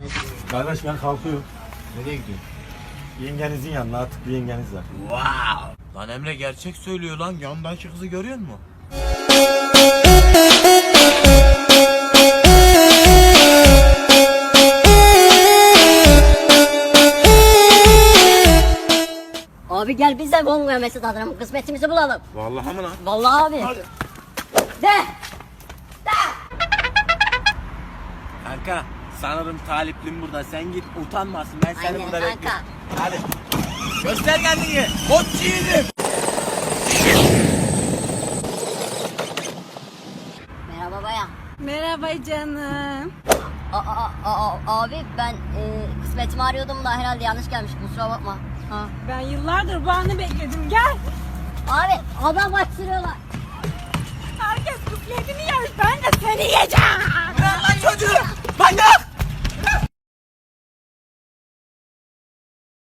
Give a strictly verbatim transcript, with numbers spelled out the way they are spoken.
Kardeş ben kalkıyorum. Nereye gidiyorsun? Yengenizin yanına, artık bir yengeniz var. Wow! Lan Emre gerçek söylüyor lan. Yanındaki kızı görüyor musun? Abi gel biz de Kongo'ya mesut adına kısmetimizi bulalım. Vallahi mı lan? Vallahi abi. Hadi. De. Kanka sanırım taliplim burada. Sen git utanmasın. Ben seni Aynen burada kanka. bekliyorum. Hadi. Göster kendini. Koç yiğidim. Merhaba bayan. Merhaba canım. A- a- a- a- abi ben e, kısmetimi arıyordum da herhalde yanlış gelmiş, kusura bakma. Ha. Ben yıllardır bu anı bekledim. Gel. Abi adam kaçırıyorlar. Herkes kufletini yer. Ben de seni yiyeceğim. Lan çocuğu. Manyak.